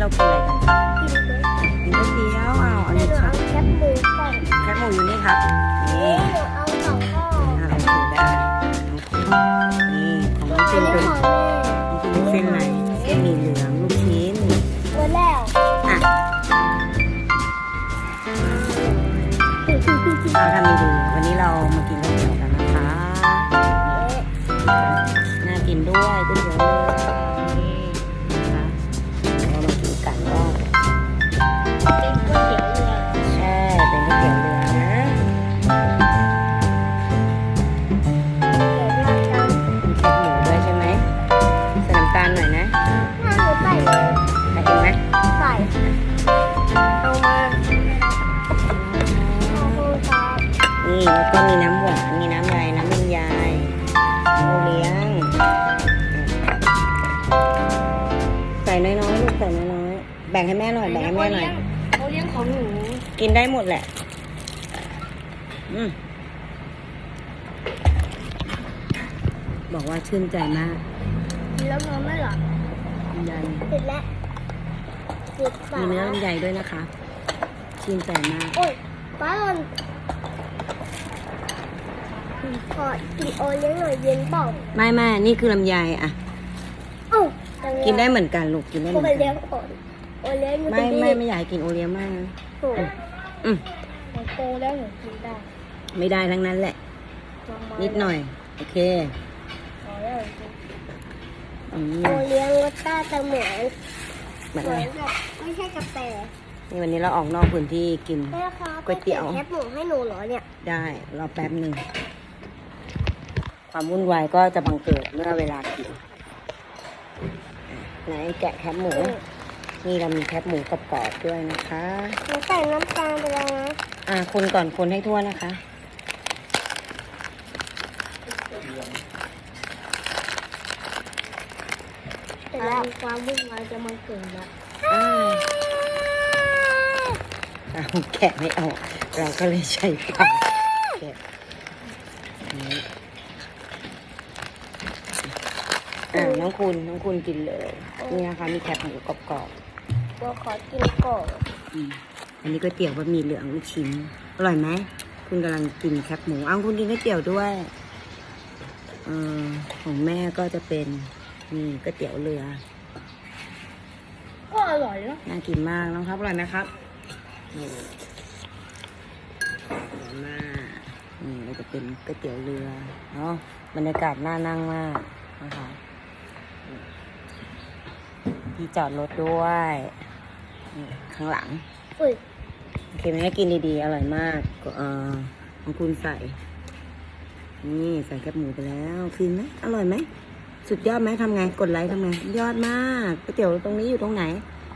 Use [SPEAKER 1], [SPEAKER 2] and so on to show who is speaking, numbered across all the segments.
[SPEAKER 1] เรากินอะไรกันครับ
[SPEAKER 2] กินก๋วยเตี๋ยว
[SPEAKER 1] กินก๋วยเตี๋ยวอัน
[SPEAKER 2] หนู
[SPEAKER 1] นี้ครั
[SPEAKER 2] เอา
[SPEAKER 1] บ
[SPEAKER 2] แคบหมูก่อน
[SPEAKER 1] แคบหมูอยู่นี่ครับนี่
[SPEAKER 2] หนูเอาสองข้อ
[SPEAKER 1] โอเคได้นี่ของน้อง
[SPEAKER 2] อั
[SPEAKER 1] ฟิ
[SPEAKER 2] น
[SPEAKER 1] น
[SPEAKER 2] นี้
[SPEAKER 1] เป็น
[SPEAKER 2] ของแม่
[SPEAKER 1] น้องฟินเป็นเส้นอะไรเส้นหมี่เหลืองลูกชิ้น
[SPEAKER 2] หมดแล้ว
[SPEAKER 1] อ่ะเอาทำดีๆวันนี้เรามากินก๋วยเตี๋ยวกันนะคะน่ากินด้วยก๋วยเตี๋ยวเรือนี่นะคะเรามากินกันว่า
[SPEAKER 2] เป็นก๋วยเตี๋ยวเรือ
[SPEAKER 1] ใช่เป็นก๋วยเตี๋ยวเรือนะ
[SPEAKER 2] เดี๋ยวเราจะ
[SPEAKER 1] มีแคบหมูด้วยใช่ไหมใส่น้ำตาลหน่อยนะ
[SPEAKER 2] ถ้าหนูใส่เลย
[SPEAKER 1] ใส่เองไหม
[SPEAKER 2] ใส่เอามาขอบคุณครับ
[SPEAKER 1] นี่แล้วก็มีน้ำหวานมีน้ำอะไรน้ำลำไยโอเลี้ยงใส่น้อยๆลูกใส่น้อยๆแบ่งให้แม่หน่อยแบ่งให้แม่หน่อย
[SPEAKER 2] เขาเลี้ยงของหนู
[SPEAKER 1] กินได้หมดแหละบอกว่าชื่นใจมาก
[SPEAKER 2] กินแล้วนอนไม่หลับ
[SPEAKER 1] ลำไย
[SPEAKER 2] ติดแล้วติดปา
[SPEAKER 1] มี
[SPEAKER 2] ก
[SPEAKER 1] เนื้อลำไยด้วยนะคะ ชื่นใจมาก
[SPEAKER 2] โอ้ยป้าหล่นขอกินโอเลี้ยงหน่อยเย็นเปล่า
[SPEAKER 1] ไม่นี่คือลำไยอ่ะ
[SPEAKER 2] เอ้า
[SPEAKER 1] กินได้เหมือนกันลูกกินได้เห
[SPEAKER 2] โอ
[SPEAKER 1] มือน
[SPEAKER 2] เลี้
[SPEAKER 1] กั
[SPEAKER 2] ย
[SPEAKER 1] น
[SPEAKER 2] งก่อนโอเลี้ยง
[SPEAKER 1] ไม่อยากให้กินโอเลี้ยงมากนะ
[SPEAKER 2] ถูก
[SPEAKER 1] อืม
[SPEAKER 2] หนูโตแล้วหนูกินได้
[SPEAKER 1] ไม่ได้ทั้งนั้นแหละ นิดหน่อย โอเค
[SPEAKER 2] พอแล้วจริง
[SPEAKER 1] อืม
[SPEAKER 2] โอเลี้ยงรสชาติจะเหมือน
[SPEAKER 1] เหมือน
[SPEAKER 2] เห
[SPEAKER 1] อะ
[SPEAKER 2] มื
[SPEAKER 1] ไร
[SPEAKER 2] อนแบบไม่ใช่กาแฟ
[SPEAKER 1] นี่วันนี้เราออกนอกพื้นที่กิน
[SPEAKER 2] แม่ครับ
[SPEAKER 1] ก๋วยเตี๋ยว
[SPEAKER 2] แคบหมูให้หนูเหรอเนี่ย
[SPEAKER 1] ได้รอแป๊บหนึ่ง ความวุ่นวายก็จะบังเกิดเมื่อเวลากินไหนแกะแคบหมู นี่เรามีแคบหมูกรอบๆด้วยนะคะ
[SPEAKER 2] หนูใส่น้ำตาลไปแล้วนะ
[SPEAKER 1] คนก่อนคนให้ทั่วนะคะ
[SPEAKER 2] แต่แล้วความวุ่นวายจะมาเกิดแล้ว
[SPEAKER 1] เอาแกะไม่เอาเราก็เลยใช้ปากแกะนี่น้องคุณกินเลยนี่นะคะมีแคบหมูกรอบ
[SPEAKER 2] เราขอกินก่อน
[SPEAKER 1] ๆอันนี้ก๋วยเตี๋ยวบะหมี่เหลืองลูกชิ้นอร่อยไหมคุณกำลังกินแคบหมูคุณกินก๋วยเตี๋ยวด้วยของแม่ก็จะเป็นนี่ก๋วยเตี๋ยวเรือ
[SPEAKER 2] ก็อร่อยเนาะ
[SPEAKER 1] น่ากินมากน้องครับอร่อยไหมครับนี่อร่อยมากนี่เราจะเป็นก๋วยเตี๋ยวเรือเนาะบรรยากาศน่านั่งมากนะคะที่จอดรถด้วยนี่ข้างหลัง
[SPEAKER 2] อุ้ย
[SPEAKER 1] โอเคไหมกินดีๆอร่อยมากของคุณใส่นี่ใส่แคบหมูไปแล้วฟินไหมอร่อยไหมสุดยอดไหมทำไงกดไลค์ทำไงยอดมากก๋วยเตี๋ยวตรงนี้อยู่ตรงไหน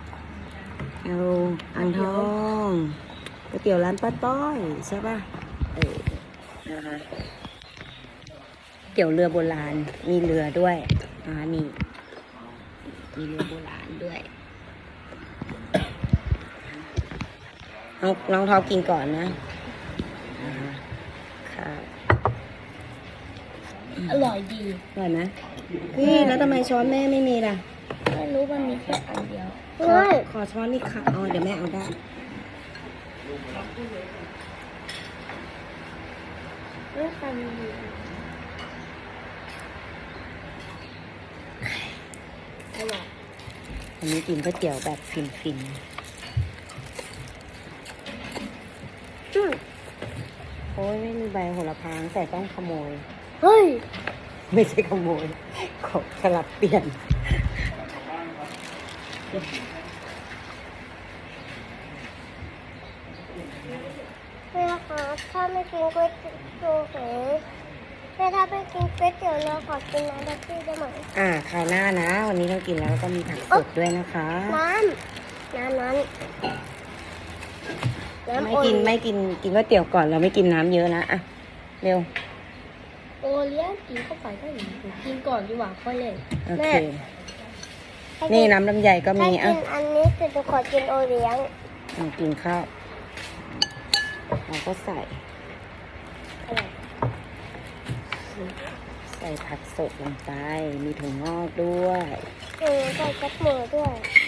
[SPEAKER 1] อ่างทองก๋วยเตี๋ยวร้านป้าต้อยใช่ป่ะนะคะก๋วยเตี๋ยวเรือโบราณมีเรือด้วยนี่มีเรือโบราณด้วยน้องท็อปกินก่อนนะค่ะ
[SPEAKER 2] อร่อยดี
[SPEAKER 1] อร่อยไหมพี่แล้วทำไมช้อนแม่ไม่มีล่ะ
[SPEAKER 2] ไม่รู้มันมีแค่อันเดียว
[SPEAKER 1] ขอช้อนนี่ค่ะเดี๋ยวแม่เอาได้
[SPEAKER 2] เรื่องการมีอร่อย
[SPEAKER 1] อันนี้กินก๋วยเตี๋ยวแบบฟินโอ้ยไม่มีใบโหระพาแต่ต้องขโมย
[SPEAKER 2] เฮ้ย
[SPEAKER 1] ไม่ใช่ขโมยขอสลับเปลี่ยน
[SPEAKER 2] แม่ครับถ้าไม่กินก๋วยเตี๋ยวหมูแม่ถ้าไม่กินก๋วยเตี๋ยวเราขอกินน้ำแท็กซี่ได้ไหม
[SPEAKER 1] คราวหน้านะ วันนี้เรากินแล้วก็มีผักสดด้วยนะคะ
[SPEAKER 2] น้ำนั้น
[SPEAKER 1] ไม่กินก๋วยเตี๋ยวก่อนเราไม่กินน้ำเยอะนะเร็ว
[SPEAKER 2] โอเลี้ยงกินเข้าไปก็อย่างนี้กินก่อนดีกว่าค่อยเล่น
[SPEAKER 1] โอเคนี่น้ำลำไยก็มี
[SPEAKER 2] ถ้ากินอันนี้จะขอกินโอเลี้ยง
[SPEAKER 1] กินข้าวเราก็ใส่ผักสดลงไปมีถั่วงอกด้วย
[SPEAKER 2] ใส่กระเทียมด้วย